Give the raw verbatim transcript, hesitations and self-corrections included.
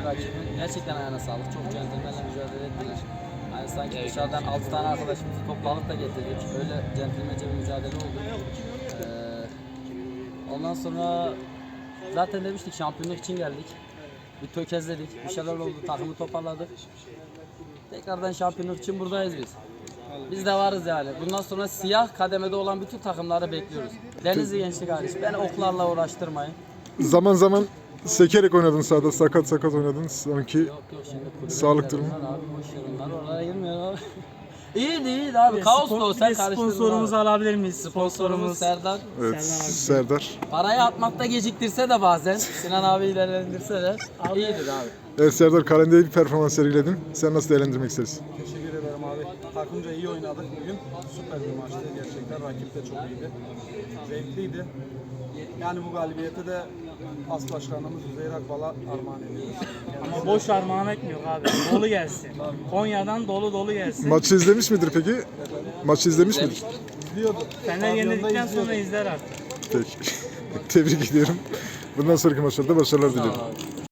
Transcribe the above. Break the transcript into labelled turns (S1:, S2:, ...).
S1: iki rakibin gerçekten ayağına sağlık. Çok centilmenle mücadele ettiler. Yani sanki dışarıdan altı tane arkadaşımızı topladık da getirdik. Öyle centilmence bir mücadele oldu. Ee, ondan sonra zaten demiştik şampiyonluk için geldik. Bir tökezledik, bir şeyler oldu, takımı toparladık. Tekrardan şampiyonluk için buradayız biz. Biz de varız yani. Bundan sonra siyah kademede olan bütün takımları bekliyoruz. Denizli Gençlik hariç. Beni oklarla uğraştırmayın.
S2: Zaman zaman sekerek oynadın sahada, sakat sakat oynadın sanki.
S1: Yok yok şimdi kulübe
S2: Sağlık
S1: gidelim
S2: durumu.
S1: lan Abi boş ver onlar oraya girmiyor abi. İyiydi iyiydi abi. Kaos da o sen karıştırdın
S3: Sponsorumuzu
S1: abi.
S3: alabilir miyiz?
S1: Sponsorumuz
S3: Sponsorumuz
S1: Serdar.
S2: Evet,
S3: Serdar abi.
S2: Serdar.
S1: Parayı atmakta geciktirse de bazen Sinan abi ilerlendirse de iyidir abi.
S2: Evet Serdar, kalende bir performans sergiledin. Sen nasıl değerlendirmek istersin?
S4: Teşekkür ederim abi. Takımca iyi oynadık bugün. Süper bir maçtı gerçekten. Rakip de çok iyiydi. Zevkliydi. Yani bu galibiyete de as başkanımız Üzeyir Akbal'a armağan ediyoruz.
S3: Ama boş armağan etmiyor abi. Dolu gelsin. Konya'dan dolu dolu gelsin.
S2: Maçı izlemiş midir peki? Maçı izlemiş midir?
S4: İzliyordu.
S3: Fener
S4: Pavyonda
S3: yenildikten
S4: izliyordu.
S3: sonra izler artık.
S2: Peki. Tebrik ediyorum. Bundan sonraki maçlarda başarılar diliyorum.
S1: Sağ ol abi.